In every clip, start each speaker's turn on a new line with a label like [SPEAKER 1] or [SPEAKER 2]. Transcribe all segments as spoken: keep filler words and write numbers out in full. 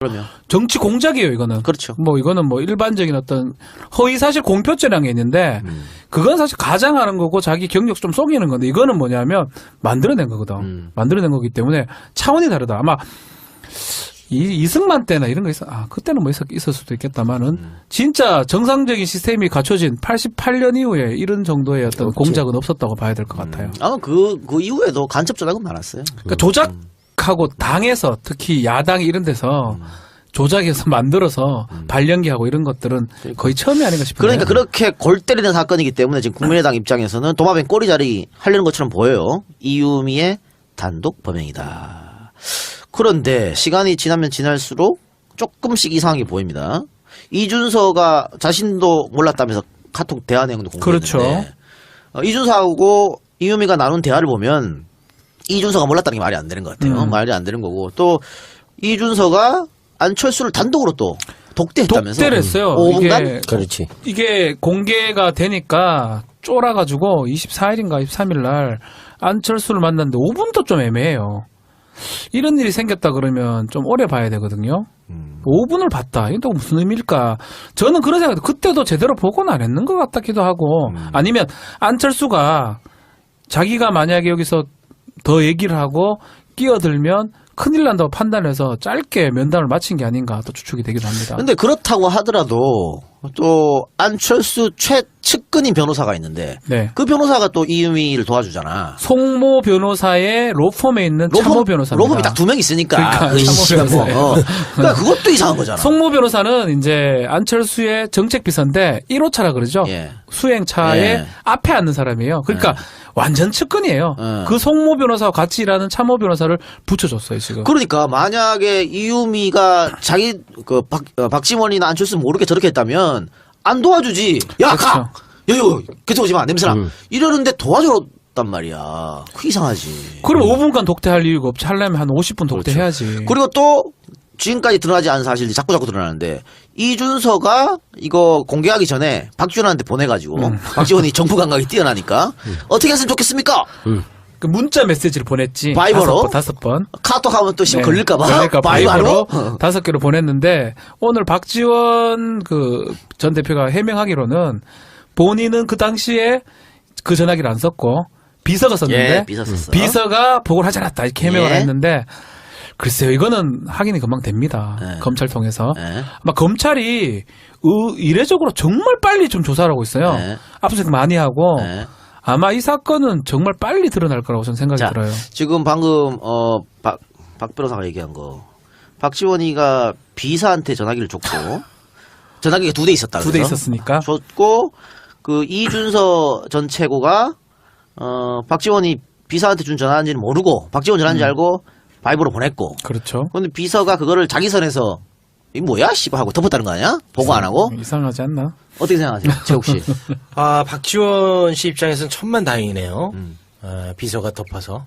[SPEAKER 1] 그러면
[SPEAKER 2] 정치 공작이에요, 이거는.
[SPEAKER 1] 그렇죠.
[SPEAKER 2] 뭐 이거는 뭐 일반적인 어떤 허위 사실 공표죄라는 게 있는데
[SPEAKER 1] 음.
[SPEAKER 2] 그건 사실 가장하는 거고 자기 경력 좀 속이는 건데 이거는 뭐냐면 만들어낸 거거든.
[SPEAKER 1] 음.
[SPEAKER 2] 만들어낸 거기 때문에 차원이 다르다. 아마 이, 이승만 때나 이런 거 있어. 아, 그때는 뭐 있었, 있을 수도 있겠다만은
[SPEAKER 1] 음.
[SPEAKER 2] 진짜 정상적인 시스템이 갖춰진 팔십팔 년 이후에 이런 정도의 어떤
[SPEAKER 3] 그렇지.
[SPEAKER 2] 공작은 없었다고 봐야 될 것 같아요.
[SPEAKER 1] 아마 그, 그 이후에도 간첩 조작은 많았어요.
[SPEAKER 2] 그러니까 조작하고 당에서 특히 야당 이런 데서 조작해서 만들어서 발령기하고 이런 것들은 거의 처음이 아닌가 싶어요.
[SPEAKER 1] 그러니까 그렇게 골 때리는 사건이기 때문에 지금 국민의당 입장에서는 도마뱀 꼬리자리 하려는 것처럼 보여요. 이유미의 단독 범행이다. 그런데 시간이 지나면 지날수록 조금씩 이상하게 보입니다. 이준서가 자신도 몰랐다면서 카톡 대화 내용도 공개했는데
[SPEAKER 2] 그렇죠.
[SPEAKER 1] 어, 이준서하고 이유미가 나눈 대화를 보면 이준서가 몰랐다는 게 말이 안 되는 것 같아요.
[SPEAKER 2] 음.
[SPEAKER 1] 말이 안 되는 거고 또 이준서가 안철수를 단독으로 또 독대했다면서
[SPEAKER 2] 독대를 했어요.
[SPEAKER 1] 오 분간?
[SPEAKER 2] 이게,
[SPEAKER 3] 그렇지.
[SPEAKER 2] 이게 공개가 되니까 쫄아가지고 이십사 일인가 이십삼 일 날 안철수를 만났는데 오 분도 좀 애매해요. 이런 일이 생겼다 그러면 좀 오래 봐야 되거든요.
[SPEAKER 1] 음.
[SPEAKER 2] 오 분을 봤다. 이게 또 무슨 의미일까? 저는 그런 생각, 그때도 제대로 보고는 안 했는 것 같기도 하고,
[SPEAKER 1] 음.
[SPEAKER 2] 아니면 안철수가 자기가 만약에 여기서 더 얘기를 하고 끼어들면 큰일 난다고 판단해서 짧게 면담을 마친 게 아닌가 또 추측이 되기도 합니다.
[SPEAKER 1] 근데 그렇다고 하더라도 또 안철수 최측근인 변호사가 있는데
[SPEAKER 2] 네.
[SPEAKER 1] 그 변호사가 또 이유미를 도와주잖아.
[SPEAKER 2] 송모 변호사의 로펌에 있는 참모 변호사입니다.
[SPEAKER 1] 로펌이 딱 두 명 있으니까.
[SPEAKER 2] 그러니까
[SPEAKER 1] 그
[SPEAKER 2] 참모
[SPEAKER 1] 씨가 뭐.
[SPEAKER 2] 변호사예요.
[SPEAKER 1] 어. 그러니까 그것도 이상한 거잖아.
[SPEAKER 2] 송모 변호사는 이제 안철수의 정책비서인데 일 호차라 그러죠.
[SPEAKER 1] 예.
[SPEAKER 2] 수행차에
[SPEAKER 1] 예.
[SPEAKER 2] 앞에 앉는 사람이에요. 그러니까
[SPEAKER 1] 예.
[SPEAKER 2] 완전 측근이에요.
[SPEAKER 1] 예.
[SPEAKER 2] 그 송모 변호사와 같이 일하는 참모 변호사를 붙여줬어요, 지금.
[SPEAKER 1] 그러니까 만약에 이유미가 자기 그 박, 어, 박지원이나 안철수 모르게 저렇게 했다면 안 도와주지. 야,
[SPEAKER 2] 그렇죠.
[SPEAKER 1] 가! 여기, 그쪽 오지 마. 냄새나.
[SPEAKER 3] 음.
[SPEAKER 1] 이러는데 도와줬단 말이야. 그 이상하지.
[SPEAKER 2] 그럼 오 분간 독대할 이유가 없지. 하려면 한 오십 분 독대해야지.
[SPEAKER 1] 그리고 또 지금까지 드러나지 않은 사실들이 자꾸 자꾸 드러나는데 이준서가 이거 공개하기 전에 박지원한테 보내가지고
[SPEAKER 2] 음.
[SPEAKER 1] 박지원이 정부 감각이 뛰어나니까 어떻게 했으면 좋겠습니까?
[SPEAKER 2] 그 문자 메시지를 보냈지.
[SPEAKER 1] 바이버로?
[SPEAKER 2] 다섯 번. 다섯 번.
[SPEAKER 1] 카톡하면 또 씨
[SPEAKER 2] 네.
[SPEAKER 1] 걸릴까봐.
[SPEAKER 2] 걸릴까
[SPEAKER 1] 바이버로?
[SPEAKER 2] 바이버로 다섯 개로 보냈는데 오늘 박지원 그 전 대표가 해명하기로는 본인은 그 당시에 그 전화기를 안 썼고 비서가 썼는데
[SPEAKER 1] 예, 비서 썼어.
[SPEAKER 2] 비서가 보고를 하지 않았다 이렇게 해명을
[SPEAKER 1] 예.
[SPEAKER 2] 했는데 글쎄요 이거는 확인이 금방 됩니다.
[SPEAKER 1] 예.
[SPEAKER 2] 검찰 통해서
[SPEAKER 1] 예.
[SPEAKER 2] 아마 검찰이 의- 이례적으로 정말 빨리 좀 조사를 하고 있어요.
[SPEAKER 1] 예.
[SPEAKER 2] 압수수색 많이 하고
[SPEAKER 1] 예.
[SPEAKER 2] 아마 이 사건은 정말 빨리 드러날 거라고 저는 생각이
[SPEAKER 1] 자,
[SPEAKER 2] 들어요.
[SPEAKER 1] 지금 방금 어, 박, 박 변호사가 얘기한 거 박지원이가 비서한테 전화기를 줬고 전화기가 두 대 있었다.
[SPEAKER 2] 두 대
[SPEAKER 1] 그래서?
[SPEAKER 2] 있었으니까.
[SPEAKER 1] 줬고 그 이준서 전 최고가 어, 박지원이 비서한테 준 전화인지는 모르고 박지원 전화인지
[SPEAKER 2] 음.
[SPEAKER 1] 알고 바이브로 보냈고
[SPEAKER 2] 그렇죠.
[SPEAKER 1] 근데 비서가 그거를 자기 선에서 이 뭐야 씨발 하고 덮었다는 거 아니야? 보고 안 하고?
[SPEAKER 2] 이상하지 않나?
[SPEAKER 1] 어떻게 생각하세요? 최욱 씨.
[SPEAKER 3] 아, 박지원 씨 입장에서는 천만다행이네요.
[SPEAKER 1] 음.
[SPEAKER 3] 아, 비서가 덮어서.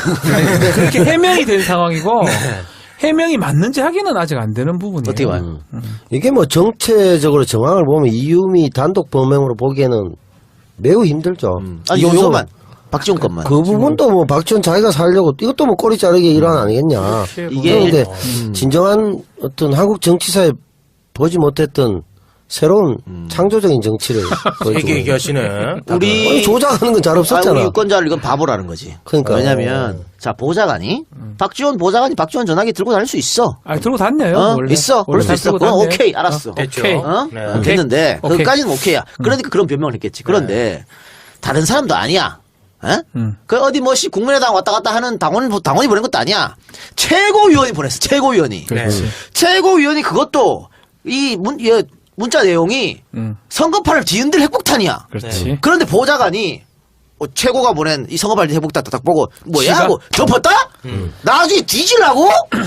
[SPEAKER 2] 그렇게 해명이 된 상황이고 해명이 맞는지 확인은 아직 안 되는 부분이에요.
[SPEAKER 1] 어떻게 봐요?
[SPEAKER 3] 이게 뭐 정체적으로 정황을 보면 이유미 단독 범행으로 보기에는 매우 힘들죠.
[SPEAKER 1] 아니 요,
[SPEAKER 3] 이준석-
[SPEAKER 1] 요것만 박지원 것만.
[SPEAKER 3] 그 부분도 뭐 박지원 자기가 살려고 이것도 뭐 꼬리 자르기 일환 아니겠냐.
[SPEAKER 1] 이게
[SPEAKER 3] 그런데
[SPEAKER 1] 음.
[SPEAKER 3] 진정한 어떤 한국 정치사에 보지 못했던 새로운 창조적인 정치를 보여주고
[SPEAKER 4] 되게 얘기하시네.
[SPEAKER 1] 우리
[SPEAKER 3] 아니, 조작하는 건 잘
[SPEAKER 1] 아,
[SPEAKER 3] 없었잖아.
[SPEAKER 1] 우리 유권자를 이건 바보라는 거지.
[SPEAKER 3] 그러니까.
[SPEAKER 1] 왜냐면 자 보좌관이 박지원 보좌관이 박지원 전화기 들고 다닐 수 있어.
[SPEAKER 2] 아 들고 다녀요.
[SPEAKER 1] 어?
[SPEAKER 2] 원래.
[SPEAKER 1] 있어. 그럴
[SPEAKER 2] 원래
[SPEAKER 1] 수
[SPEAKER 2] 다
[SPEAKER 1] 있어.
[SPEAKER 2] 들고
[SPEAKER 1] 그건
[SPEAKER 2] 다녀요.
[SPEAKER 1] 오케이 알았어.
[SPEAKER 4] 됐죠.
[SPEAKER 2] 오케이.
[SPEAKER 1] 어?
[SPEAKER 4] 네.
[SPEAKER 1] 어, 됐는데
[SPEAKER 2] 오케이.
[SPEAKER 1] 그까지는 오케이야. 그러니까 그런 변명을 했겠지. 그런데 다른 사람도 아니야. 에?
[SPEAKER 2] 음.
[SPEAKER 1] 그 어디 뭐시 국민의당 왔다 갔다 하는 당원 당원이 보낸 것도 아니야. 최고위원이 보냈어. 최고위원이.
[SPEAKER 2] 그렇지.
[SPEAKER 1] 최고위원이 그것도 이 문, 이 문자 내용이
[SPEAKER 2] 음.
[SPEAKER 1] 선거판을 뒤흔들 핵폭탄이야.
[SPEAKER 2] 그렇지.
[SPEAKER 1] 그런데 보좌관이 어, 최고가 보낸 이 선거판 핵폭탄 딱 보고 뭐야
[SPEAKER 2] 지가-
[SPEAKER 1] 하고 덮었다? 나중에 뒤질라고?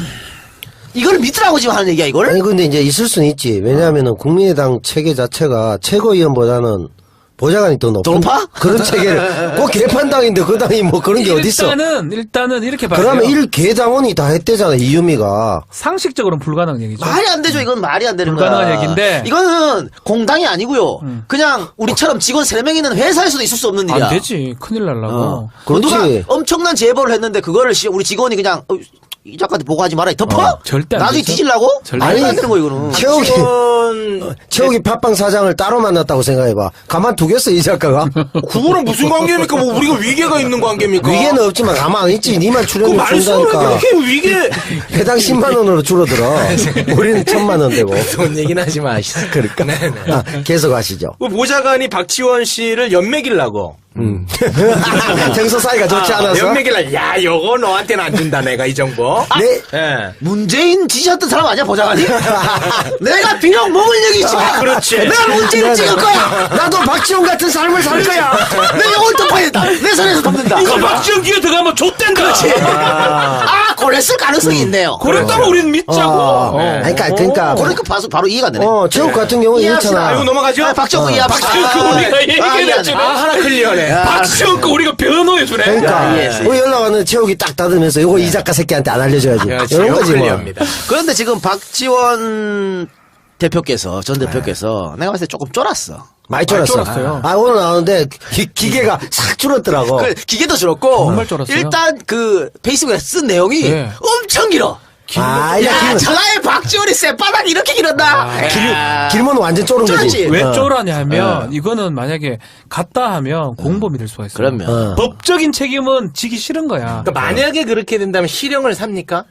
[SPEAKER 1] 이걸 믿으라고 지금 하는 얘기야 이걸?
[SPEAKER 3] 아니 근데 이제 있을 수는 있지. 왜냐하면은 국민의당 체계 자체가 최고위원보다는 보좌관이 더 높은
[SPEAKER 1] 더 높아?
[SPEAKER 3] 그런 체계를 꼭 개판당인데 그 당이 뭐 그런 게 어딨어.
[SPEAKER 2] 일단은 일단은 이렇게 봐요.
[SPEAKER 3] 그러면 일 개당원이 다 했대잖아 이유미가.
[SPEAKER 2] 상식적으로는 불가능한 얘기죠.
[SPEAKER 1] 말이 안 되죠. 이건 말이 안 되는
[SPEAKER 2] 불가능한
[SPEAKER 1] 거야.
[SPEAKER 2] 얘기인데.
[SPEAKER 1] 이거는 공당이 아니고요.
[SPEAKER 2] 음.
[SPEAKER 1] 그냥 우리처럼 직원 세 명 있는 회사에서도 있을 수 없는 일이야.
[SPEAKER 2] 안 되지. 큰일 날라고.
[SPEAKER 1] 어.
[SPEAKER 3] 그렇지.
[SPEAKER 1] 누가 엄청난 제보를 했는데 그거를 씨- 우리 직원이 그냥 어, 이 작가한테 보고하지 마라. 덮어?
[SPEAKER 2] 어, 절대 안
[SPEAKER 1] 나중에
[SPEAKER 2] 되죠.
[SPEAKER 1] 뒤질라고?
[SPEAKER 2] 절대
[SPEAKER 1] 아니,
[SPEAKER 3] 안
[SPEAKER 1] 안 되는 거 이거는.
[SPEAKER 3] 최욱이
[SPEAKER 4] 박지원
[SPEAKER 3] 최욱이 팟빵 사장을 따로 만났다고 생각해봐. 가만두겠어 이 작가가.
[SPEAKER 4] 그거랑 무슨 관계입니까? 뭐 우리가 위계가 있는 관계입니까?
[SPEAKER 3] 위계는 없지만 가만 있지. 니만
[SPEAKER 4] 그
[SPEAKER 3] 출연료
[SPEAKER 4] 말씀을
[SPEAKER 3] 준다니까.
[SPEAKER 4] 그렇게 위계
[SPEAKER 3] 배당 십만 원으로 줄어들어. 우리는 천만 원 되고.
[SPEAKER 4] 돈 얘기는 하지 마시죠.
[SPEAKER 3] 그러니까.
[SPEAKER 4] 네네.
[SPEAKER 3] 아, 계속하시죠.
[SPEAKER 4] 그 보좌관이 박지원 씨를 연맥이려고.
[SPEAKER 3] 음. 정서 사이가 좋지
[SPEAKER 4] 아,
[SPEAKER 3] 않아서.
[SPEAKER 4] 연맥이려. 야, 요거 너한테는 안 준다 내가 이 정보.
[SPEAKER 3] 네.
[SPEAKER 4] 예.
[SPEAKER 1] 문재인 지지했던 사람 아니야, 보좌관이? 내가 비록 먹을 얘기 있지만.
[SPEAKER 4] 아, 그렇지.
[SPEAKER 1] 내가 문재인 찍을 거야.
[SPEAKER 3] 나도 박지원 같은 삶을 살 거야.
[SPEAKER 1] 내 영혼 덮어야겠다. 내 손에서 덮는다.
[SPEAKER 2] 이거 박지원 기회 들어가면 좆된다. 그렇지.
[SPEAKER 1] 아, 그랬을 가능성이 있네요.
[SPEAKER 2] 그랬다고 우리는 믿자고.
[SPEAKER 3] 어.
[SPEAKER 2] 어.
[SPEAKER 3] 그러니까, 그러니까.
[SPEAKER 1] 그러니까 바로, 바로 이해가 되네.
[SPEAKER 3] 어, 최욱 같은 경우는
[SPEAKER 1] 이해합시다.
[SPEAKER 4] 아, 이거
[SPEAKER 3] 이렇잖아.
[SPEAKER 4] 넘어가죠?
[SPEAKER 1] 아, 박정우 이해, 박정우.
[SPEAKER 2] 그 우리가 얘기를
[SPEAKER 1] 이해하네.
[SPEAKER 2] 했지.
[SPEAKER 4] 아, 하나 클리어네.
[SPEAKER 2] 박지원 거 우리가 변호해주네.
[SPEAKER 3] 그러니까.
[SPEAKER 1] 아, 이해했어요.
[SPEAKER 3] 우리 연락 왔는데 최욱이 딱 닫으면서 요거 이 작가 새끼한테 안 알려줘야지.
[SPEAKER 4] 그렇지,
[SPEAKER 3] 이런
[SPEAKER 4] 요거
[SPEAKER 3] 거지 뭐.
[SPEAKER 4] 클리어입니다.
[SPEAKER 1] 그런데 지금 박지원 대표께서, 전 대표께서 내가 봤을 때 조금 쫄았어.
[SPEAKER 3] 많이 쫄았어.
[SPEAKER 2] 쫄았어요.
[SPEAKER 3] 아, 오늘 나오는데 기, 기계가 싹 줄었더라고.
[SPEAKER 1] 그 기계도 줄었고.
[SPEAKER 2] 정말 쫄았어요.
[SPEAKER 1] 일단 그 페이스북에 쓴 내용이
[SPEAKER 2] 네.
[SPEAKER 1] 엄청 길어.
[SPEAKER 3] 아, 야,
[SPEAKER 1] 야,
[SPEAKER 3] 길면,
[SPEAKER 1] 전화에 박지원이 쇠바닥 이렇게 길었나?
[SPEAKER 2] 아,
[SPEAKER 3] 길면 완전 쫄은 거지.
[SPEAKER 1] 쫄았지.
[SPEAKER 2] 왜
[SPEAKER 3] 어.
[SPEAKER 2] 쫄하냐 하면 이거는 만약에 갔다 하면 공범이 될 수가 있어요.
[SPEAKER 1] 그러면.
[SPEAKER 3] 어.
[SPEAKER 2] 법적인 책임은 지기 싫은 거야.
[SPEAKER 4] 그러니까 만약에 그렇게 된다면 실형을 삽니까?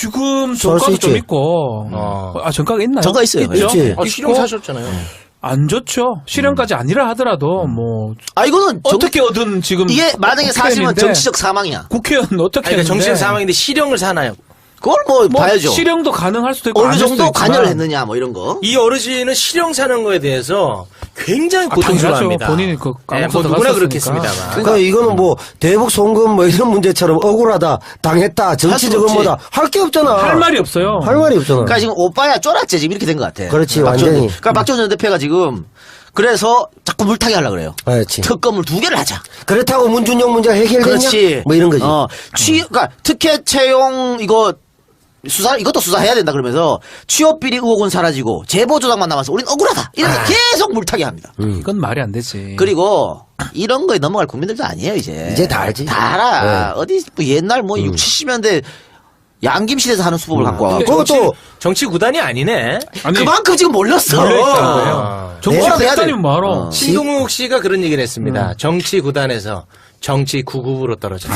[SPEAKER 2] 지금
[SPEAKER 3] 쏠수
[SPEAKER 2] 전과가 좀
[SPEAKER 3] 있지.
[SPEAKER 2] 있고.
[SPEAKER 4] 어.
[SPEAKER 2] 아, 전과가 있나요?
[SPEAKER 1] 전과 있어요.
[SPEAKER 2] 있죠?
[SPEAKER 3] 있지.
[SPEAKER 4] 아, 실형
[SPEAKER 2] 있고
[SPEAKER 4] 사셨잖아요.
[SPEAKER 2] 안 좋죠. 실형까지 아니라 하더라도 뭐
[SPEAKER 1] 아, 이거는 정-
[SPEAKER 2] 어떻게 얻은 지금
[SPEAKER 1] 이게 만약에 사실은
[SPEAKER 2] 국회의원인데
[SPEAKER 1] 정치적 사망이야.
[SPEAKER 2] 국회의원 어떻게
[SPEAKER 4] 아니, 그러니까
[SPEAKER 2] 했는데
[SPEAKER 4] 정치적 사망인데 실형을 사나요?
[SPEAKER 1] 그걸 뭐,
[SPEAKER 2] 뭐
[SPEAKER 1] 봐야죠.
[SPEAKER 2] 실형도 가능할 수도 있고
[SPEAKER 1] 어느
[SPEAKER 2] 아닐 수도
[SPEAKER 1] 정도
[SPEAKER 2] 있지만
[SPEAKER 1] 관여를 했느냐, 뭐 이런 거.
[SPEAKER 4] 이 어르신은 실형 사는 거에 대해서 굉장히
[SPEAKER 2] 아,
[SPEAKER 4] 고통스러워합니다.
[SPEAKER 2] 당연하죠. 본인이 그
[SPEAKER 4] 네,
[SPEAKER 2] 감옥서
[SPEAKER 4] 뭐 누구나
[SPEAKER 2] 들어갔었으니까.
[SPEAKER 4] 그렇겠습니다만.
[SPEAKER 3] 그러니까 이거는 뭐 대북 송금 뭐 이런 문제처럼 억울하다, 당했다, 정치적
[SPEAKER 1] 없지.
[SPEAKER 3] 음모다 할 게 없잖아.
[SPEAKER 2] 할 말이 없어요.
[SPEAKER 3] 할 말이 없잖아.
[SPEAKER 1] 그러니까 지금 오빠야 쫄았지, 지금 이렇게 된 것 같아.
[SPEAKER 3] 그렇지,
[SPEAKER 1] 박지원
[SPEAKER 3] 완전히.
[SPEAKER 1] 대- 그러니까 박지원 전 대표가 지금 그래서 자꾸 물타기 하려고 그래요.
[SPEAKER 3] 그렇지.
[SPEAKER 1] 특검을 두 개를 하자.
[SPEAKER 3] 그렇다고 문준용 문제가 해결되냐?
[SPEAKER 1] 그렇지.
[SPEAKER 3] 뭐 이런 거지.
[SPEAKER 1] 어, 취, 그러니까 특혜 채용 이거 수사 이것도 수사해야 된다 그러면서 취업 비리 의혹은 사라지고 제보 조작만 남아서 우린 억울하다. 이런 거 계속 물타기 합니다.
[SPEAKER 2] 이건 말이 안 되지.
[SPEAKER 1] 그리고 이런 거에 넘어갈 국민들도 아니에요 이제.
[SPEAKER 3] 이제 다 알지.
[SPEAKER 1] 다 알아. 어디 뭐 옛날 뭐 육, 칠십 년대 양김실에서 하는 수법을 갖고 와.
[SPEAKER 4] 근데
[SPEAKER 3] 그것도
[SPEAKER 4] 정치, 정치 구단이 아니네.
[SPEAKER 2] 아니,
[SPEAKER 1] 그만큼 지금 몰렸어.
[SPEAKER 2] 몰려있다는 거예요.
[SPEAKER 4] 아.
[SPEAKER 2] 정치
[SPEAKER 1] 뭐라도 해야 돼.
[SPEAKER 2] 국단이면 말어.
[SPEAKER 1] 어.
[SPEAKER 4] 신동욱 씨가 그런 얘기를 했습니다. 정치 구단에서 정치 구급으로 떨어졌다.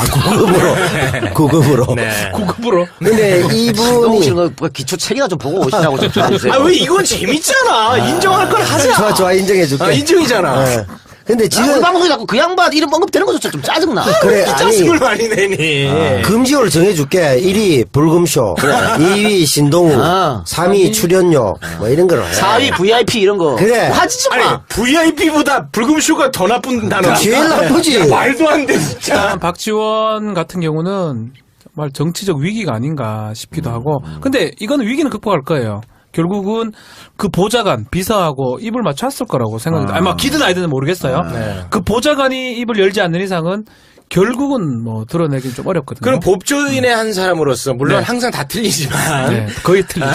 [SPEAKER 3] 구급으로. 구급으로.
[SPEAKER 4] 네.
[SPEAKER 2] 고급으로.
[SPEAKER 3] 근데
[SPEAKER 1] 너무
[SPEAKER 3] 이분이
[SPEAKER 1] 싫은 거 기초 책이나 좀 보고 오시라고 좀 전해주세요.
[SPEAKER 4] 아, 왜 이건 재밌잖아. 인정할 걸 하자.
[SPEAKER 3] 좋아 좋아 인정해줄게.
[SPEAKER 4] 아, 인정이잖아.
[SPEAKER 3] 네. 근데
[SPEAKER 1] 우리
[SPEAKER 3] 지금
[SPEAKER 1] 방송에 자꾸 그 양반 이름 언급되는 것조차 좀 짜증나.
[SPEAKER 3] 그래
[SPEAKER 4] 이
[SPEAKER 3] 아니
[SPEAKER 4] 짜증을 많이 내니.
[SPEAKER 3] 금지어를 정해줄게. 일 위 불금쇼, 이 위 신동우,
[SPEAKER 1] 아.
[SPEAKER 3] 삼 위 출연료 뭐 이런 거로 해.
[SPEAKER 1] 사 위 브이아이피 이런 거.
[SPEAKER 3] 그래.
[SPEAKER 1] 하지 좀
[SPEAKER 4] 아니,
[SPEAKER 1] 마.
[SPEAKER 4] 브이아이피보다 불금쇼가 더 나쁜 단어야.
[SPEAKER 3] 제일 나쁘지.
[SPEAKER 4] 야, 말도 안 돼, 진짜.
[SPEAKER 2] 일단 박지원 같은 경우는 정말 정치적 위기가 아닌가 싶기도 하고. 근데 이거는 위기는 극복할 거예요. 결국은 그 보좌관, 비서하고 입을 맞췄을 거라고 생각합니다. 아니, 막 기든 아이든 모르겠어요.
[SPEAKER 4] 네.
[SPEAKER 2] 그 보좌관이 입을 열지 않는 이상은 결국은 뭐 드러내긴 좀 어렵거든요.
[SPEAKER 4] 그럼 법조인의 한 사람으로서, 물론
[SPEAKER 2] 네.
[SPEAKER 4] 항상 다 틀리지만,
[SPEAKER 2] 네, 거의 틀리죠.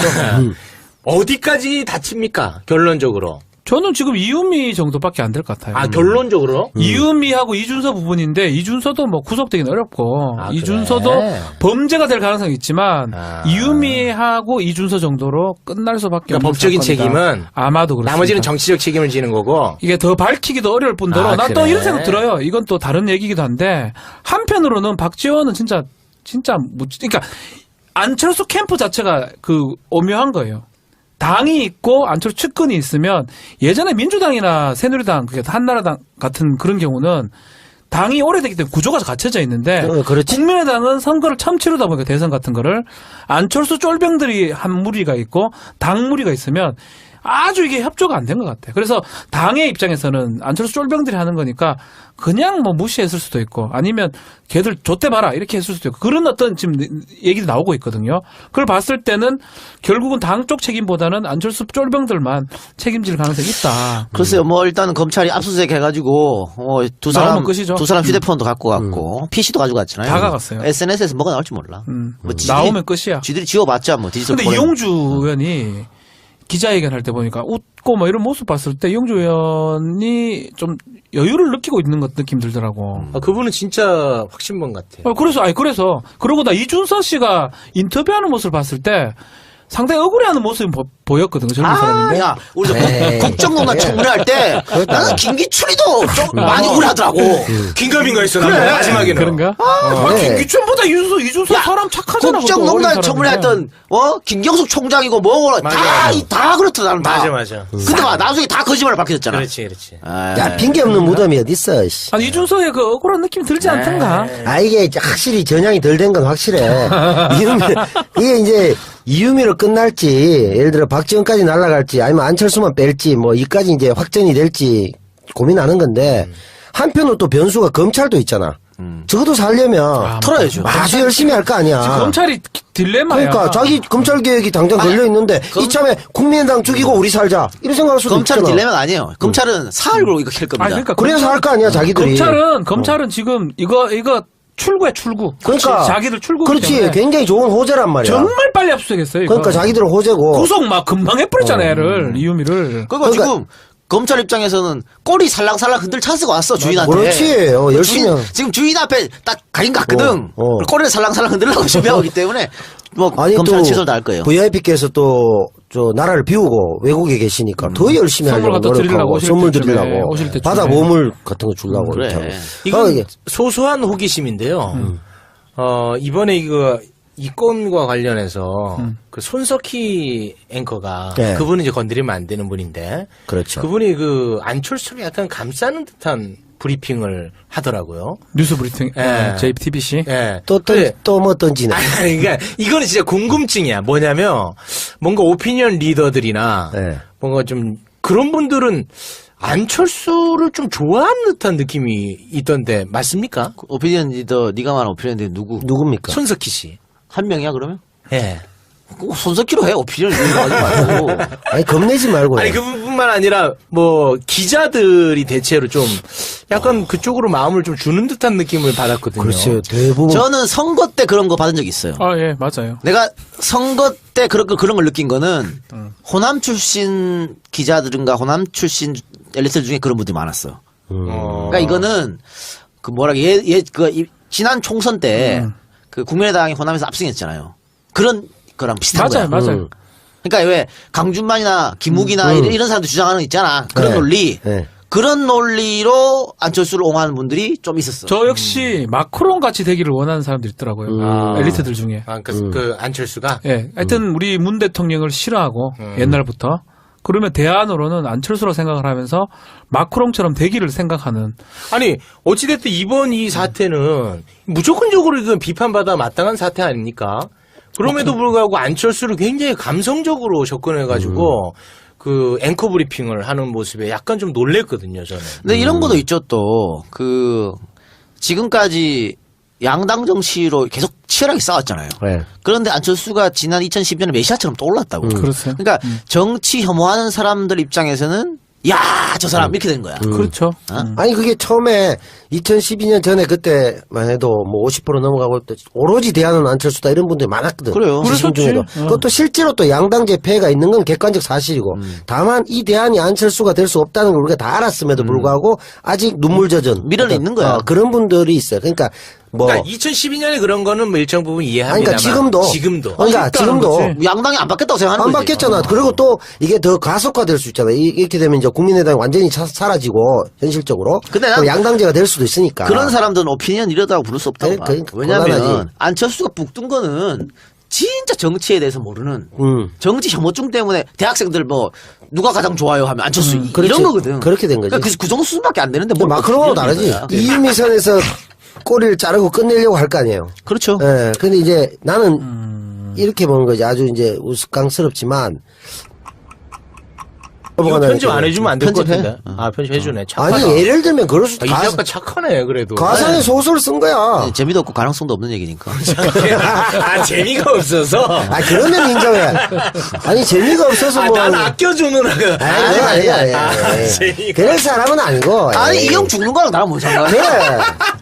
[SPEAKER 4] 어디까지 다칩니까? 결론적으로.
[SPEAKER 2] 저는 지금 이은미 정도밖에 안 될 것 같아요.
[SPEAKER 4] 아, 결론적으로?
[SPEAKER 2] 이은미하고 이준서 부분인데 이준서도 뭐 구속되기는 어렵고
[SPEAKER 4] 아,
[SPEAKER 2] 이준서도
[SPEAKER 4] 그래?
[SPEAKER 2] 범죄가 될 가능성이 있지만
[SPEAKER 4] 아.
[SPEAKER 2] 이은미하고 이준서 정도로 끝날 수밖에
[SPEAKER 4] 그러니까
[SPEAKER 2] 없는
[SPEAKER 4] 법적인
[SPEAKER 2] 사건이다.
[SPEAKER 4] 책임은
[SPEAKER 2] 아마도 그렇습니다.
[SPEAKER 4] 나머지는 정치적 책임을 지는 거고.
[SPEAKER 2] 이게 더 밝히기도 어려울 뿐더러
[SPEAKER 4] 아,
[SPEAKER 2] 난 또
[SPEAKER 4] 그래?
[SPEAKER 2] 이런 생각 들어요. 이건 또 다른 얘기기도 한데 한편으로는 박지원은 진짜 진짜 뭐 그러니까 안철수 캠프 자체가 그 오묘한 거예요. 당이 있고 안철수 측근이 있으면 예전에 민주당이나 새누리당, 그게 한나라당 같은 그런 경우는 당이 오래되기 때문에 구조가 갖춰져 있는데
[SPEAKER 3] 어, 그렇지.
[SPEAKER 2] 국민의당은 선거를 처음 치르다 보니까 대선 같은 거를 안철수 쫄병들이 한 무리가 있고 당 무리가 있으면 아주 이게 협조가 안 된 것 같아요. 그래서 당의 입장에서는 안철수 쫄병들이 하는 거니까 그냥 뭐 무시했을 수도 있고 아니면 걔들 좆대봐라 이렇게 했을 수도 있고 그런 어떤 지금 얘기도 나오고 있거든요. 그걸 봤을 때는 결국은 당 쪽 책임보다는 안철수 쫄병들만 책임질 가능성이 있다.
[SPEAKER 1] 글쎄요, 뭐 일단은 검찰이 압수수색 해가지고 어, 두 사람
[SPEAKER 2] 나오면 끝이죠.
[SPEAKER 1] 두 사람 휴대폰도 갖고 갔고 피시도 가지고 갔잖아요.
[SPEAKER 2] 다 가갔어요.
[SPEAKER 1] 에스엔에스에서 뭐가 나올지 몰라.
[SPEAKER 2] 음,
[SPEAKER 1] 뭐 지들이-
[SPEAKER 2] 나오면 끝이야.
[SPEAKER 1] 쥐들이 지워봤자 뭐 디지털.
[SPEAKER 2] 근데
[SPEAKER 1] 보내면.
[SPEAKER 2] 이용주 의원이 기자회견할 때 보니까 웃고 뭐 이런 모습 봤을 때 이용주 의원이 좀 여유를 느끼고 있는 것 느낌 들더라고.
[SPEAKER 4] 아, 그분은 진짜 확신범 같아요.
[SPEAKER 2] 어, 그래서 아니 그래서 그러고 나 이준서 씨가 인터뷰하는 모습을 봤을 때 상당히 억울해하는 모습이 보, 보였거든 젊은
[SPEAKER 1] 아,
[SPEAKER 2] 사람인데.
[SPEAKER 1] 야, 우리
[SPEAKER 3] 에이.
[SPEAKER 1] 국정농단 청문회할 때 나는 김기춘이도 좀 많이 억울하더라고.
[SPEAKER 4] 긴가민가 했어.
[SPEAKER 1] 그래.
[SPEAKER 4] 나 마지막에는.
[SPEAKER 2] 그런가?
[SPEAKER 1] 아,
[SPEAKER 3] 네.
[SPEAKER 2] 김기춘보다 이준서 이준서 사람 착하잖아.
[SPEAKER 1] 국정농단 청문회했던 어 김경숙 총장이고 뭐고
[SPEAKER 4] 맞아,
[SPEAKER 1] 다
[SPEAKER 4] 맞아.
[SPEAKER 1] 이- 다 그렇더라 나는 다.
[SPEAKER 4] 맞아, 맞아.
[SPEAKER 1] 근데 봐 나중에 다 거짓말을 밝혀졌잖아.
[SPEAKER 4] 그렇지, 그렇지.
[SPEAKER 1] 아,
[SPEAKER 3] 야, 핑계 없는 무덤이 어딨어, 씨.
[SPEAKER 2] 아니 이준서의 그 억울한 느낌 들지 않던가?
[SPEAKER 3] 아, 이게 확실히 전향이 덜 된 건 확실해. 이유미, 이게 이제 이유미로 끝날지, 예를 들어 박지원까지 날아갈지, 아니면 안철수만 뺄지, 뭐, 이까지 이제 확정이 될지 고민하는 건데, 한편으로 또 변수가 검찰도 있잖아. 적어도 살려면
[SPEAKER 1] 털어야죠.
[SPEAKER 3] 아주 열심히 할 거 아니야.
[SPEAKER 2] 지금 검찰이 딜레마야.
[SPEAKER 3] 그러니까 자기 검찰 개혁이 당장 걸려 있는데
[SPEAKER 1] 검-
[SPEAKER 3] 이참에 국민의당 죽이고 우리 살자 이런 생각할 수도
[SPEAKER 1] 검찰은
[SPEAKER 3] 있잖아.
[SPEAKER 1] 딜레마가 아니에요. 검찰은 사흘로 이거 캘 겁니다.
[SPEAKER 2] 아니, 그러니까
[SPEAKER 3] 그래서 할 거 아니야 자기들이.
[SPEAKER 2] 검찰은 검찰은 지금 이거 이거 출구에 출구.
[SPEAKER 3] 그러니까
[SPEAKER 2] 자기들 출구.
[SPEAKER 3] 그렇지 굉장히 좋은 호재란 말이야.
[SPEAKER 2] 정말 빨리 압수수색했어요. 이거.
[SPEAKER 3] 그러니까 자기들은 호재고.
[SPEAKER 2] 구속 막 금방 해버렸잖아 얘를 이유미를.
[SPEAKER 1] 그러니까,
[SPEAKER 3] 그러니까-
[SPEAKER 1] 지금 검찰 입장에서는 꼬리 살랑살랑 흔들 찬스가 왔어 주인한테.
[SPEAKER 3] 그렇지. 어, 열심히
[SPEAKER 1] 주인-
[SPEAKER 3] 하-
[SPEAKER 1] 지금 주인 앞에 딱 가긴 갔거든.
[SPEAKER 3] 어, 어.
[SPEAKER 1] 꼬리를 살랑살랑 흔들려고 준비하고 있기 때문에 뭐
[SPEAKER 3] 아니
[SPEAKER 1] 검찰
[SPEAKER 3] 또
[SPEAKER 1] 취소를 다 할 거예요.
[SPEAKER 3] 브이아이피께서 또 저 나라를 비우고 외국에 계시니까 더 열심히
[SPEAKER 2] 선물
[SPEAKER 3] 하려고
[SPEAKER 2] 갖다 드리려고
[SPEAKER 3] 노력하고
[SPEAKER 2] 오실
[SPEAKER 3] 선물
[SPEAKER 2] 때쯤에,
[SPEAKER 3] 드리려고
[SPEAKER 2] 오실 때쯤에.
[SPEAKER 3] 바다 보물 같은 거 주려고
[SPEAKER 1] 그래.
[SPEAKER 3] 이렇게 하고.
[SPEAKER 4] 이건
[SPEAKER 3] 어, 이게-
[SPEAKER 4] 소소한 호기심인데요. 어, 이번에 이거 이 건과 관련해서 그 손석희 앵커가
[SPEAKER 3] 네.
[SPEAKER 4] 그분은 이제 건드리면 안 되는 분인데
[SPEAKER 3] 그렇죠.
[SPEAKER 4] 그분이 그 안철수를 약간 감싸는 듯한 브리핑을 하더라고요.
[SPEAKER 2] 뉴스 브리핑
[SPEAKER 4] 예.
[SPEAKER 2] 제이티비씨.
[SPEAKER 4] 예.
[SPEAKER 3] 또
[SPEAKER 4] 그래.
[SPEAKER 3] 또 뭐 던지네.
[SPEAKER 4] 아니, 그러니까 이거는 진짜 궁금증이야. 뭐냐면 뭔가 오피니언 리더들이나
[SPEAKER 3] 네.
[SPEAKER 4] 뭔가 좀 그런 분들은 안철수를 좀 좋아하는 듯한 느낌이 있던데 맞습니까?
[SPEAKER 1] 오피니언 리더 네가 말한 오피니언 리더 누구?
[SPEAKER 3] 누굽니까?
[SPEAKER 4] 손석희 씨.
[SPEAKER 1] 한 명이야 그러면?
[SPEAKER 4] 예.
[SPEAKER 1] 꼭 손석희로 해 오피니언 리더 하지 말고.
[SPEAKER 3] 아니 겁내지 말고.
[SPEAKER 4] 아니 그뿐만 아니라 뭐 기자들이 대체로 좀 약간 그쪽으로 마음을 좀 주는 듯한 느낌을 받았거든요.
[SPEAKER 3] 그렇죠. 대부분
[SPEAKER 1] 저는 선거 때 그런 거 받은 적 있어요.
[SPEAKER 2] 아 예 맞아요.
[SPEAKER 1] 내가 선거 때 그런 거 그런 걸 느낀 거는 호남 출신 기자들인가 호남 출신 엘리트 중에 그런 분들이 많았어.
[SPEAKER 4] 어.
[SPEAKER 1] 그러니까 이거는 그 뭐라 예예그 지난 총선 때 그 국민의당이 호남에서 압승했잖아요. 그런 거랑 비슷한
[SPEAKER 2] 맞아요
[SPEAKER 1] 거야.
[SPEAKER 2] 맞아요.
[SPEAKER 3] 음.
[SPEAKER 1] 그러니까 왜 강준만이나 김욱이나
[SPEAKER 3] 음.
[SPEAKER 1] 이런, 이런 사람들 주장하는 거 있잖아. 그런
[SPEAKER 3] 네.
[SPEAKER 1] 논리.
[SPEAKER 3] 네.
[SPEAKER 1] 그런 논리로 안철수를 옹호하는 분들이 좀 있었어.
[SPEAKER 2] 저 역시 마크롱 같이 되기를 원하는 사람들이 있더라고요.
[SPEAKER 4] 아.
[SPEAKER 2] 엘리트들 중에.
[SPEAKER 4] 아, 그, 그 안철수가
[SPEAKER 2] 예, 하여튼 우리 문 대통령을 싫어하고 옛날부터 그러면 대안으로는 안철수로 생각을 하면서 마크롱처럼 되기를 생각하는.
[SPEAKER 4] 아니 어찌됐든 이번 이 사태는 무조건적으로 이건 비판받아 마땅한 사태 아닙니까? 그럼에도 불구하고 안철수를 굉장히 감성적으로 접근해가지고 그 앵커 브리핑을 하는 모습에 약간 좀 놀랬거든요, 저는.
[SPEAKER 1] 근데 이런 것도 있죠 또. 그 지금까지 양당 정치로 계속 치열하게 싸웠잖아요.
[SPEAKER 3] 네.
[SPEAKER 1] 그런데 안철수가 지난 이천십 년에 메시아처럼 떠올랐다고.
[SPEAKER 2] 그렇죠.
[SPEAKER 1] 그러니까 정치 혐오하는 사람들 입장에서는 야, 저 사람 이렇게 되는 거야.
[SPEAKER 2] 그렇죠.
[SPEAKER 3] 아니 그게 처음에 이천십이 년 전에 그때만 해도 뭐 오십 퍼센트 넘어가고 또 오로지 대안은 안철수다 이런 분들이 많았거든.
[SPEAKER 1] 그래요.
[SPEAKER 3] 지금
[SPEAKER 2] 그랬었지.
[SPEAKER 3] 중에도.
[SPEAKER 2] 어.
[SPEAKER 3] 그것도 실제로 또 양당제 폐해가 있는 건 객관적 사실이고 다만 이 대안이 안철수가 될 수 없다는 걸 우리가 다 알았음에도 불구하고 아직 눈물 젖은
[SPEAKER 1] 미련이 있는 거야.
[SPEAKER 3] 어, 그런 분들이 있어요. 그러니까 뭐
[SPEAKER 4] 그러니까 이천십이 년에 그런 거는 뭐 일정 부분
[SPEAKER 3] 아니,
[SPEAKER 4] 이해합니다만
[SPEAKER 3] 그러니까 지금도
[SPEAKER 4] 지금도
[SPEAKER 3] 그러니까
[SPEAKER 2] 아직도
[SPEAKER 3] 지금도
[SPEAKER 2] 하는 거지.
[SPEAKER 1] 양당이 안 바뀌었다고 생각하는
[SPEAKER 3] 안
[SPEAKER 1] 거지.
[SPEAKER 3] 바뀌었잖아.
[SPEAKER 1] 어.
[SPEAKER 3] 그리고 또 이게 더 가속화될 수 있잖아. 이- 이렇게 되면 이제 국민의당이 완전히 차- 사라지고 현실적으로
[SPEAKER 1] 근데 난
[SPEAKER 3] 그럼 양당제가 될 수도 있으니까.
[SPEAKER 1] 그런 사람들은 오피니언 이러다고 부를 수 없다고
[SPEAKER 3] 네,
[SPEAKER 1] 봐.
[SPEAKER 3] 그러니까
[SPEAKER 1] 왜냐하면
[SPEAKER 3] 곤란하지.
[SPEAKER 1] 안철수가 북 뜬 거는 진짜 정치에 대해서 모르는
[SPEAKER 3] 음.
[SPEAKER 1] 정치 혐오증 때문에 대학생들 뭐 누가 가장 좋아요 하면 안철수 이-
[SPEAKER 3] 그렇지.
[SPEAKER 1] 이런 거거든.
[SPEAKER 3] 그렇게 된 거지.
[SPEAKER 1] 그러니까 그, 그 정도 수준밖에 안 되는데
[SPEAKER 3] 근데
[SPEAKER 1] 뭘
[SPEAKER 3] 마크롱하고
[SPEAKER 1] 오피니언이
[SPEAKER 3] 다르지.
[SPEAKER 1] 거야.
[SPEAKER 3] 이유미 선에서 꼬리를 자르고 끝내려고 할 거 아니에요.
[SPEAKER 1] 그렇죠.
[SPEAKER 3] 예. 근데 이제 나는 이렇게 보는 거지. 아주 이제 우스꽝스럽지만.
[SPEAKER 4] 이거 편집 안 해주면 안 될 것
[SPEAKER 1] 편집해?
[SPEAKER 4] 같은데. 아 편집해주네. 착하다.
[SPEAKER 3] 아니 예를 들면 그럴 수도
[SPEAKER 4] 아, 이
[SPEAKER 3] 가,
[SPEAKER 4] 작가 착하네 그래도.
[SPEAKER 3] 가상의 소설 쓴 거야.
[SPEAKER 1] 네, 재미도 없고 가능성도 없는 얘기니까.
[SPEAKER 4] 아 재미가 없어서.
[SPEAKER 3] 아 그러면 인정해. 아니 재미가 없어서
[SPEAKER 4] 아,
[SPEAKER 3] 뭐.
[SPEAKER 4] 난 아껴주는 아,
[SPEAKER 3] 아니 아니 아니.
[SPEAKER 4] 아,
[SPEAKER 3] 아니.
[SPEAKER 4] 재미가.
[SPEAKER 3] 그럴 사람은 아니고.
[SPEAKER 1] 아니
[SPEAKER 3] 에이.
[SPEAKER 1] 이 형 죽는 거랑 나랑 뭔 상관이야?
[SPEAKER 3] 그래.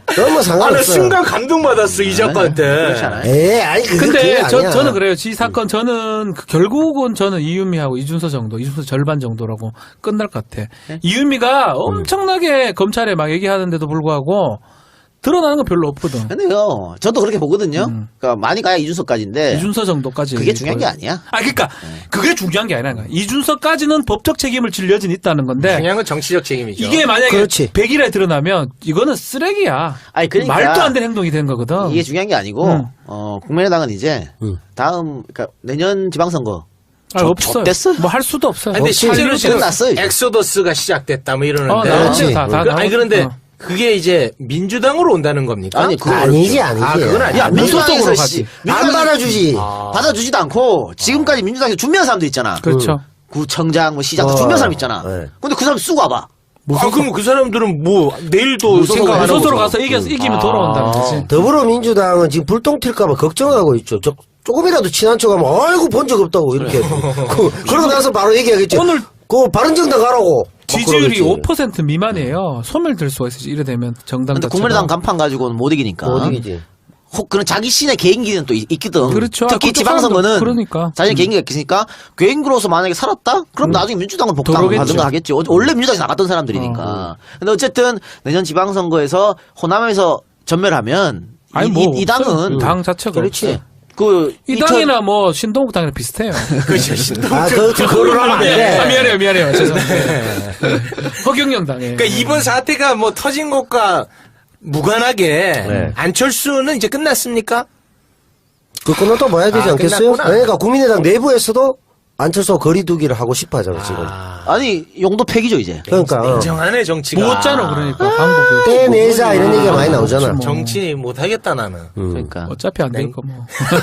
[SPEAKER 3] 너무
[SPEAKER 4] 아, 나
[SPEAKER 3] 상관없어.
[SPEAKER 4] 순간 감동받았어, 이 작가한테.
[SPEAKER 1] 그렇지 않아요?
[SPEAKER 3] 에 아니 그게 그게
[SPEAKER 2] 근데 저,
[SPEAKER 3] 아니야.
[SPEAKER 2] 저는 그래요. 이 사건 저는 그 결국은 저는 이유미하고 이준서 정도, 이준서 절반 정도라고 끝날 것 같아.
[SPEAKER 3] 네?
[SPEAKER 2] 이유미가 엄청나게 검찰에 막 얘기하는데도 불구하고 드러나는 건 별로 없거든.
[SPEAKER 1] 근데요, 저도 그렇게 보거든요.
[SPEAKER 2] 음.
[SPEAKER 1] 그러니까 많이 가야 이준석까지인데
[SPEAKER 2] 이준서 정도까지.
[SPEAKER 1] 그게 중요한 게 아니야.
[SPEAKER 2] 아, 그러니까 그게 중요한 게 아니라 이준서까지는 법적 책임을 질 여지는 있다는 건데
[SPEAKER 4] 중요한 건 정치적 책임이죠.
[SPEAKER 2] 이게 만약에
[SPEAKER 3] 그렇지.
[SPEAKER 2] 백 일에 드러나면 이거는 쓰레기야.
[SPEAKER 1] 아니, 그러니까
[SPEAKER 2] 말도 안 되는 행동이 된 거거든.
[SPEAKER 1] 이게 중요한 게 아니고
[SPEAKER 2] 음.
[SPEAKER 1] 어, 국민의당은 이제
[SPEAKER 3] 음.
[SPEAKER 1] 다음 그러니까 내년 지방선거
[SPEAKER 2] 아,
[SPEAKER 1] 저-
[SPEAKER 2] 없어요.
[SPEAKER 1] 졌댔어요?
[SPEAKER 2] 뭐 할 수도 없어요.
[SPEAKER 4] 근데
[SPEAKER 3] 없지.
[SPEAKER 4] 실제로 지금
[SPEAKER 1] 끝났어요, 이제.
[SPEAKER 4] 엑소더스가 시작됐다 뭐
[SPEAKER 2] 어,
[SPEAKER 4] 이러는데.
[SPEAKER 2] 나왔지. 다, 다
[SPEAKER 4] 그, 아니
[SPEAKER 2] 나왔-
[SPEAKER 4] 그런데
[SPEAKER 2] 어.
[SPEAKER 4] 그게 이제 민주당으로 온다는 겁니까?
[SPEAKER 1] 아니, 그거
[SPEAKER 3] 아니지 아니지.
[SPEAKER 4] 아, 그건 아니야.
[SPEAKER 1] 야,
[SPEAKER 2] 무소속으로
[SPEAKER 1] 민주당에서
[SPEAKER 2] 가지.
[SPEAKER 1] 씨,
[SPEAKER 3] 안
[SPEAKER 1] 민주당에서
[SPEAKER 3] 받아주지.
[SPEAKER 4] 아.
[SPEAKER 1] 받아주지도 않고 지금까지 민주당에서 준비한 사람도 있잖아.
[SPEAKER 2] 그렇죠.
[SPEAKER 1] 구청장, 뭐 시장 다
[SPEAKER 3] 어.
[SPEAKER 1] 준비한 사람 있잖아.
[SPEAKER 3] 네.
[SPEAKER 1] 근데 그 사람 쓰고 와봐.
[SPEAKER 4] 아, 그럼 그 사람들은 뭐 내일도
[SPEAKER 1] 무소속
[SPEAKER 4] 생각 안 하고
[SPEAKER 2] 무소속으로
[SPEAKER 4] 있어.
[SPEAKER 2] 가서 이겨, 이기면 돌아온다는 거지.
[SPEAKER 3] 더불어민주당은 지금 불똥 튈까봐 걱정하고 있죠. 저, 조금이라도 친한 척하면 아이고 본 적 없다고 이렇게. 그, 그러고 나서 바로 얘기하겠죠.
[SPEAKER 2] 오늘
[SPEAKER 3] 그 바른정당 가라고. 막
[SPEAKER 2] 지지율이
[SPEAKER 3] 그러겠지.
[SPEAKER 2] 오 퍼센트 미만이에요. 소멸될 수가 있어요. 이래 되면 정당
[SPEAKER 1] 근데
[SPEAKER 2] 자체가.
[SPEAKER 1] 국민의당 간판 가지고는 못 이기니까.
[SPEAKER 3] 못 이기지.
[SPEAKER 1] 혹 그런 자기 신의 개인기는 또 있- 있거든.
[SPEAKER 2] 그렇죠.
[SPEAKER 1] 특히
[SPEAKER 2] 아,
[SPEAKER 1] 지방선거는
[SPEAKER 2] 그쪽 사람도 그러니까.
[SPEAKER 1] 자신의 개인기가 있으니까 개인기로서 만약에 살았다? 그럼 나중에 민주당을 복당하든가
[SPEAKER 2] 들어오겠죠.
[SPEAKER 1] 하겠지. 어- 원래 민주당에서 나갔던 사람들이니까. 근데 어쨌든 내년 지방선거에서 호남에서 전멸하면
[SPEAKER 2] 아니
[SPEAKER 1] 이,
[SPEAKER 2] 뭐
[SPEAKER 1] 이, 이 당은
[SPEAKER 2] 없어요. 당 자체가
[SPEAKER 1] 그렇지.
[SPEAKER 2] 없어요.
[SPEAKER 1] 그
[SPEAKER 2] 이
[SPEAKER 1] 이천-
[SPEAKER 2] 당이나 뭐 신동국 당이랑 비슷해요.
[SPEAKER 4] 그렇죠. 신동.
[SPEAKER 3] 아, 그, 그, 그걸 하면 안
[SPEAKER 2] 아,
[SPEAKER 3] 돼.
[SPEAKER 2] 미안해요, 미안해요. 죄송합니다. 허경영 당에.
[SPEAKER 4] 그러니까 이번 사태가 뭐 터진 것과 무관하게
[SPEAKER 3] 네.
[SPEAKER 4] 안철수는 이제 끝났습니까?
[SPEAKER 3] 그 끊어 또 봐야 되지
[SPEAKER 4] 아,
[SPEAKER 3] 않겠어요?
[SPEAKER 4] 끝났구나.
[SPEAKER 3] 그러니까 국민의당 내부에서도 안철수 거리두기를 하고 싶어 하잖아, 지금.
[SPEAKER 4] 아,
[SPEAKER 1] 아니 용도 폐기죠 이제.
[SPEAKER 3] 그러니까. 어.
[SPEAKER 4] 냉정하네 정치가.
[SPEAKER 2] 못잖아 그러니까 방법이.
[SPEAKER 3] 빼내자 이런 얘기가 많이 나오잖아.
[SPEAKER 2] 뭐.
[SPEAKER 4] 정치 못하겠다 나는.
[SPEAKER 3] 음.
[SPEAKER 1] 그러니까.
[SPEAKER 2] 어차피 안 되니까 뭐.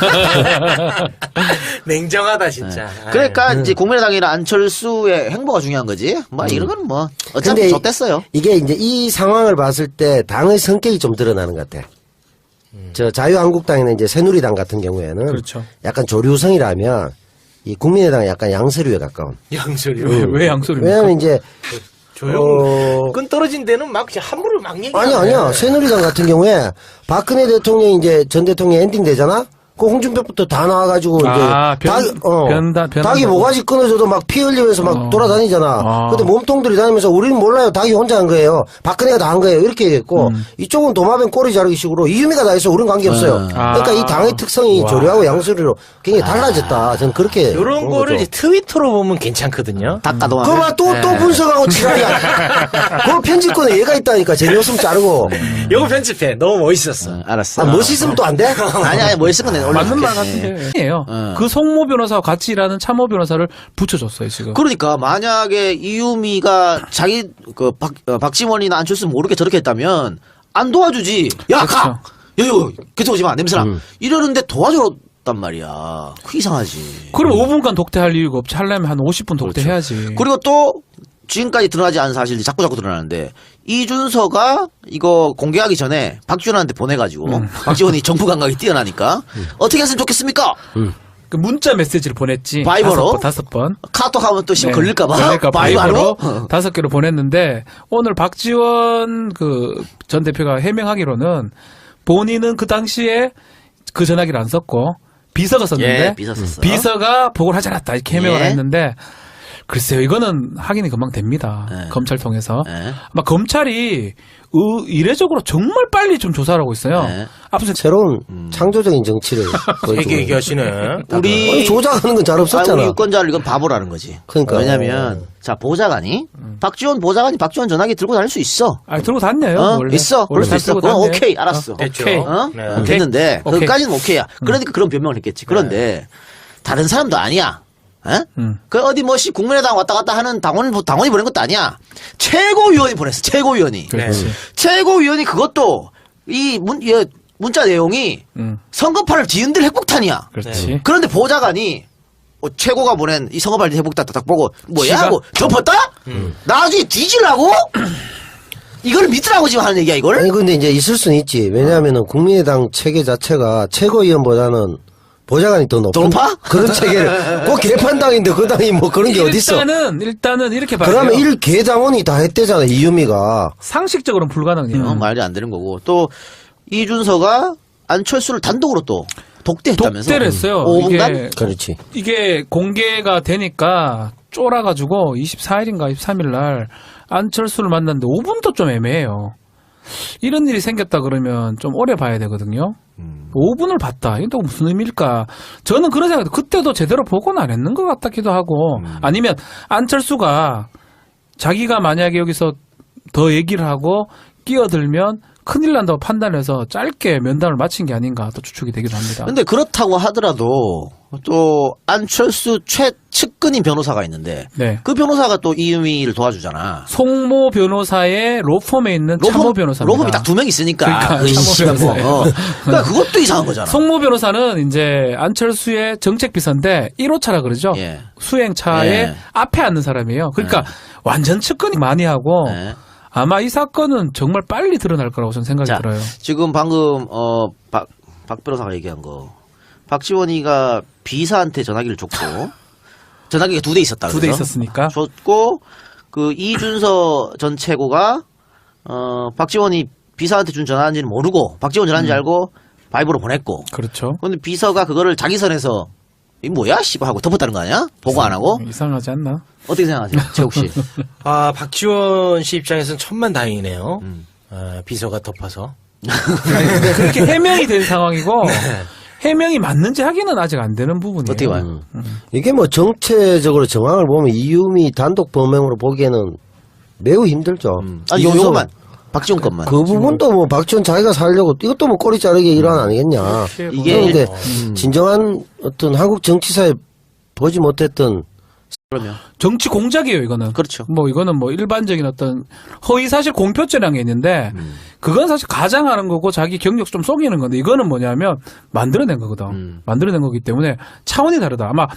[SPEAKER 4] 냉정하다 진짜.
[SPEAKER 1] 그러니까 이제 국민의당이나 안철수의 행보가 중요한 거지. 뭐 이런 건 뭐 어차피
[SPEAKER 3] 근데
[SPEAKER 1] 졌댔어요.
[SPEAKER 3] 이게 이제 이 상황을 봤을 때 당의 성격이 좀 드러나는 것 같아. 저 자유한국당이나 이제 새누리당 같은 경우에는
[SPEAKER 2] 그렇죠.
[SPEAKER 3] 약간 조류성이라면 이 국민의당은 약간 양서류에 가까운.
[SPEAKER 4] 양소리.
[SPEAKER 2] 왜, 왜 양소리입니까?
[SPEAKER 3] 왜냐하면 이제
[SPEAKER 4] 조용.
[SPEAKER 3] 어,
[SPEAKER 4] 끈 떨어진 데는 막 그냥 함부로 막 얘기.
[SPEAKER 3] 아니 아니야 새누리당 같은 경우에 박근혜 대통령이 이제 전 대통령 엔딩 되잖아. 그 홍준표부터 다 나와가지고 이제
[SPEAKER 2] 아, 변-
[SPEAKER 3] 닭, 어,
[SPEAKER 2] 변다- 변한다고.
[SPEAKER 3] 닭이 모가지 끊어져도 막 피 흘리면서 막
[SPEAKER 2] 어.
[SPEAKER 3] 돌아다니잖아.
[SPEAKER 2] 아.
[SPEAKER 3] 근데 몸통들이 다니면서 우리는 몰라요. 닭이 혼자 한 거예요. 박근혜가 다 한 거예요. 이렇게 얘기했고
[SPEAKER 2] 음.
[SPEAKER 3] 이쪽은 도마뱀 꼬리 자르기 식으로 이유미가 다 했어. 우리는 관계 없어요.
[SPEAKER 2] 아.
[SPEAKER 3] 그러니까 이 당의 특성이
[SPEAKER 2] 와.
[SPEAKER 3] 조류하고 양서류로 굉장히 달라졌다. 저는 그렇게
[SPEAKER 4] 이런
[SPEAKER 3] 본
[SPEAKER 4] 거를
[SPEAKER 3] 거죠.
[SPEAKER 4] 이제 트위터로 보면 괜찮거든요.
[SPEAKER 1] 닭가도
[SPEAKER 3] 그거 봐, 또, 또
[SPEAKER 2] 네.
[SPEAKER 3] 분석하고 지랄이야. 그거 편집권에 얘가 있다니까. 재미없으면 자르고.
[SPEAKER 4] 이거 편집해. 너무 멋있었어.
[SPEAKER 1] 알았어.
[SPEAKER 3] 아, 멋있으면 또 안 돼?
[SPEAKER 1] 아니 아니 뭐 있으면 내가
[SPEAKER 2] 맞는 말
[SPEAKER 1] 올려줄게.
[SPEAKER 2] 같은데. 아니에요.
[SPEAKER 1] 어.
[SPEAKER 2] 그 송모 변호사와 같이 일하는 참모 변호사를 붙여줬어요, 지금.
[SPEAKER 1] 그러니까 만약에 이유미가 자기 그 박, 어, 박지원이나 안철수 모르게 저렇게 했다면 안 도와주지. 야,
[SPEAKER 2] 그렇죠.
[SPEAKER 1] 가. 여유, 그쪽 오지 마. 냄새나.
[SPEAKER 3] 음.
[SPEAKER 1] 이러는데 도와줬단 말이야. 그 이상하지.
[SPEAKER 2] 그럼 오 분간 독대할 이유가 없지. 하려면 한 오십 분 독대해야지.
[SPEAKER 1] 그리고 또 지금까지 드러나지 않은 사실이 자꾸 자꾸 드러나는데 이준서가 이거 공개하기 전에 박지원한테 보내가지고
[SPEAKER 2] 음.
[SPEAKER 1] 박지원이 정부 감각이 뛰어나니까 어떻게 했으면 좋겠습니까?
[SPEAKER 2] 그 문자 메시지를 보냈지.
[SPEAKER 1] 바이버로?
[SPEAKER 2] 다섯 번. 다섯 번.
[SPEAKER 1] 카톡 하면 또 심
[SPEAKER 2] 네.
[SPEAKER 1] 걸릴까봐.
[SPEAKER 2] 그러니까
[SPEAKER 1] 바이바로.
[SPEAKER 2] 바이버로 다섯 개로 보냈는데 오늘 박지원 그 전 대표가 해명하기로는 본인은 그 당시에 그 전화기를 안 썼고 비서가 썼는데
[SPEAKER 1] 예, 비서 썼어.
[SPEAKER 2] 비서가 보고를 하지 않았다 이렇게 해명을
[SPEAKER 1] 예.
[SPEAKER 2] 했는데 글쎄요 이거는 확인이 금방 됩니다.
[SPEAKER 1] 예.
[SPEAKER 2] 검찰 통해서
[SPEAKER 1] 예.
[SPEAKER 2] 아마 검찰이 의- 이례적으로 정말 빨리 좀 조사를 하고 있어요.
[SPEAKER 1] 예.
[SPEAKER 2] 앞서
[SPEAKER 3] 새로운 창조적인 정치를. 보여주고
[SPEAKER 4] 얘기 얘기하시네.
[SPEAKER 1] 우리
[SPEAKER 3] 아니, 조작하는 건 잘
[SPEAKER 1] 아,
[SPEAKER 3] 없었잖아.
[SPEAKER 1] 우리 유권자를 이건 바보라는 거지.
[SPEAKER 3] 그러니까.
[SPEAKER 1] 왜냐면 자 보좌관이
[SPEAKER 2] 음.
[SPEAKER 1] 박지원 보좌관이 박지원 전화기 들고 다닐 수 있어.
[SPEAKER 2] 아 들고 다녀요.
[SPEAKER 1] 어?
[SPEAKER 2] 원래.
[SPEAKER 1] 있어. 그럴
[SPEAKER 2] 원래
[SPEAKER 1] 수
[SPEAKER 2] 다
[SPEAKER 1] 있어.
[SPEAKER 2] 들고
[SPEAKER 1] 그건
[SPEAKER 2] 다녀요.
[SPEAKER 1] 오케이 알았어.
[SPEAKER 2] 어,
[SPEAKER 4] 됐죠.
[SPEAKER 2] 오케이.
[SPEAKER 1] 어?
[SPEAKER 4] 네.
[SPEAKER 1] 어, 됐는데
[SPEAKER 2] 오케이.
[SPEAKER 1] 그까지는 오케이야. 그러니까 그런 변명을 했겠지. 그런데 다른 사람도 아니야. 에?
[SPEAKER 2] 음.
[SPEAKER 1] 그 어디 뭐시 국민의당 왔다 갔다 하는 당원 당원이 보낸 것도 아니야. 최고위원이 보냈어. 최고위원이.
[SPEAKER 2] 그렇지.
[SPEAKER 1] 최고위원이 그것도 이 문, 이 문자 내용이
[SPEAKER 2] 음.
[SPEAKER 1] 선거판을 뒤흔들 핵폭탄이야.
[SPEAKER 2] 그렇지.
[SPEAKER 1] 그런데 보좌관이 어, 최고가 보낸 이 선거판 핵폭탄 딱 보고 뭐야
[SPEAKER 2] 지가-
[SPEAKER 1] 하고 덮었다? 나중에 뒤질라고? 이걸 믿으라고 지금 하는 얘기야 이걸?
[SPEAKER 3] 아니 근데 이제 있을 수는 있지. 왜냐하면은 국민의당 체계 자체가 최고위원보다는 보좌관이 더 높은
[SPEAKER 1] 높아?
[SPEAKER 3] 그런 체계를 꼭 개판당인데 그 당이 뭐 그런 게 어딨어?
[SPEAKER 2] 일단은 일단은 이렇게 봐요.
[SPEAKER 3] 그러면 일 개당원이 다 했대잖아 이유미가.
[SPEAKER 2] 상식적으로는 불가능해요.
[SPEAKER 1] 어, 말이 안 되는 거고 또 이준서가 안철수를 단독으로 또 독대했다면서.
[SPEAKER 2] 독대를 했어요.
[SPEAKER 1] 오 분간?
[SPEAKER 2] 이게
[SPEAKER 3] 그렇지.
[SPEAKER 2] 이게 공개가 되니까 쫄아가지고 이십사 일인가 이십삼 일 날 안철수를 만났는데 오 분도 좀 애매해요. 이런 일이 생겼다 그러면 좀 오래 봐야 되거든요.
[SPEAKER 1] 음.
[SPEAKER 2] 오 분을 봤다. 이게 또 무슨 의미일까? 저는 그런 생각, 그때도 제대로 보고는 안 했는 것 같기도 하고,
[SPEAKER 1] 음.
[SPEAKER 2] 아니면 안철수가 자기가 만약에 여기서 더 얘기를 하고 끼어들면 큰일 난다고 판단해서 짧게 면담을 마친 게 아닌가 또 추측이 되기도 합니다.
[SPEAKER 1] 근데 그렇다고 하더라도 또 안철수 최측근인 변호사가 있는데
[SPEAKER 2] 네.
[SPEAKER 1] 그 변호사가 또 이유미를 도와주잖아.
[SPEAKER 2] 송모 변호사의 로펌에 있는 참모 변호사입니다.
[SPEAKER 1] 로펌이 딱 두 명 있으니까.
[SPEAKER 2] 그러니까
[SPEAKER 1] 그
[SPEAKER 2] 참모
[SPEAKER 1] 씨발 뭐.
[SPEAKER 2] 변호사예요.
[SPEAKER 1] 어. 그러니까 그것도 이상한 거잖아.
[SPEAKER 2] 송모 변호사는 이제 안철수의 정책비서인데 일 호차라 그러죠.
[SPEAKER 1] 예.
[SPEAKER 2] 수행차에
[SPEAKER 1] 예.
[SPEAKER 2] 앞에 앉는 사람이에요. 그러니까 완전 측근이 많이 하고
[SPEAKER 1] 네.
[SPEAKER 2] 아마 이 사건은 정말 빨리 드러날 거라고 저는 생각이
[SPEAKER 1] 자,
[SPEAKER 2] 들어요.
[SPEAKER 1] 지금 방금 어, 박, 박 변호사가 얘기한 거. 박지원이가 비서한테 전화기를 줬고 전화기가 두 대 있었다.
[SPEAKER 2] 두 대
[SPEAKER 1] 그래서?
[SPEAKER 2] 있었으니까.
[SPEAKER 1] 줬고 그 이준서 전 최고가 어, 박지원이 비서한테 준 전화인지는 모르고 박지원 전화인지
[SPEAKER 2] 음.
[SPEAKER 1] 알고 바이브로 보냈고.
[SPEAKER 2] 그렇죠.
[SPEAKER 1] 근데 비서가 그거를 자기 선에서 이 뭐야 씨발 하고 덮었다는 거 아니야? 보고 안 하고?
[SPEAKER 2] 이상하지 않나?
[SPEAKER 1] 어떻게 생각하세요, 최욱 씨?
[SPEAKER 4] 아, 박지원 씨 입장에서는 천만 다행이네요.
[SPEAKER 1] 음.
[SPEAKER 4] 아, 비서가 덮어서.
[SPEAKER 2] 그렇게 해명이 된 상황이고 해명이 맞는지 확인은 아직 안 되는 부분이에요.
[SPEAKER 1] 어떻게 봐요?
[SPEAKER 3] 이게 뭐 정체적으로 정황을 보면 이유미 단독 범행으로 보기에는 매우 힘들죠.
[SPEAKER 1] 아니 요,
[SPEAKER 3] 이준석-
[SPEAKER 1] 요거만 박지원 것만.
[SPEAKER 3] 그 부분도 뭐 박지원 자기가 살려고 이것도 뭐 꼬리 자르기 일환 아니겠냐.
[SPEAKER 1] 이게
[SPEAKER 3] 그런데
[SPEAKER 1] 음.
[SPEAKER 3] 진정한 어떤 한국 정치사에 보지 못했던
[SPEAKER 1] 그러면
[SPEAKER 2] 정치 공작이에요, 이거는.
[SPEAKER 1] 그렇죠.
[SPEAKER 2] 뭐 이거는 뭐 일반적인 어떤 허위 사실 공표죄라는 게 있는데
[SPEAKER 1] 음.
[SPEAKER 2] 그건 사실 가장하는 거고 자기 경력 좀 속이는 건데 이거는 뭐냐면 만들어낸 거거든.
[SPEAKER 1] 음.
[SPEAKER 2] 만들어낸 거기 때문에 차원이 다르다. 아마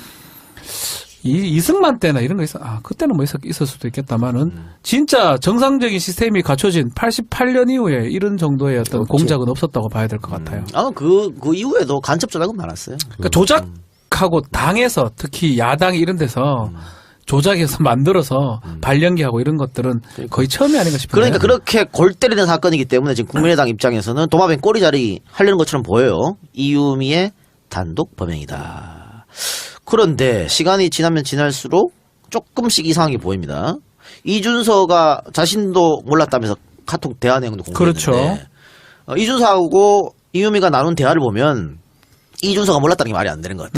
[SPEAKER 2] 이 이승만 때나 이런 거 있어. 아 그때는 뭐 있었, 있을 수도 있겠다만은
[SPEAKER 1] 음.
[SPEAKER 2] 진짜 정상적인 시스템이 갖춰진 팔십팔 년 이후에 이런 정도의 어떤
[SPEAKER 3] 없지.
[SPEAKER 2] 공작은 없었다고 봐야 될 것 같아요.
[SPEAKER 1] 아, 그, 그 이후에도 간첩 전화가 많았어요.
[SPEAKER 2] 그러니까 조작하고 당에서 특히 야당 이런 데서 조작해서 만들어서 발령기하고 이런 것들은 거의 처음이 아닌가 싶어요.
[SPEAKER 1] 그러니까 그렇게 골 때리는 사건이기 때문에 지금 국민의당 입장에서는 도마뱀 꼬리자리 하려는 것처럼 보여요. 이유미의 단독 범행이다. 그런데 시간이 지나면 지날수록 조금씩 이상하게 보입니다. 이준서가 자신도 몰랐다면서 카톡 대화 내용도 공개했는데
[SPEAKER 2] 그렇죠.
[SPEAKER 1] 어, 이준서하고 이유미가 나눈 대화를 보면 이준서가 몰랐다는 게 말이 안 되는 것 같아요.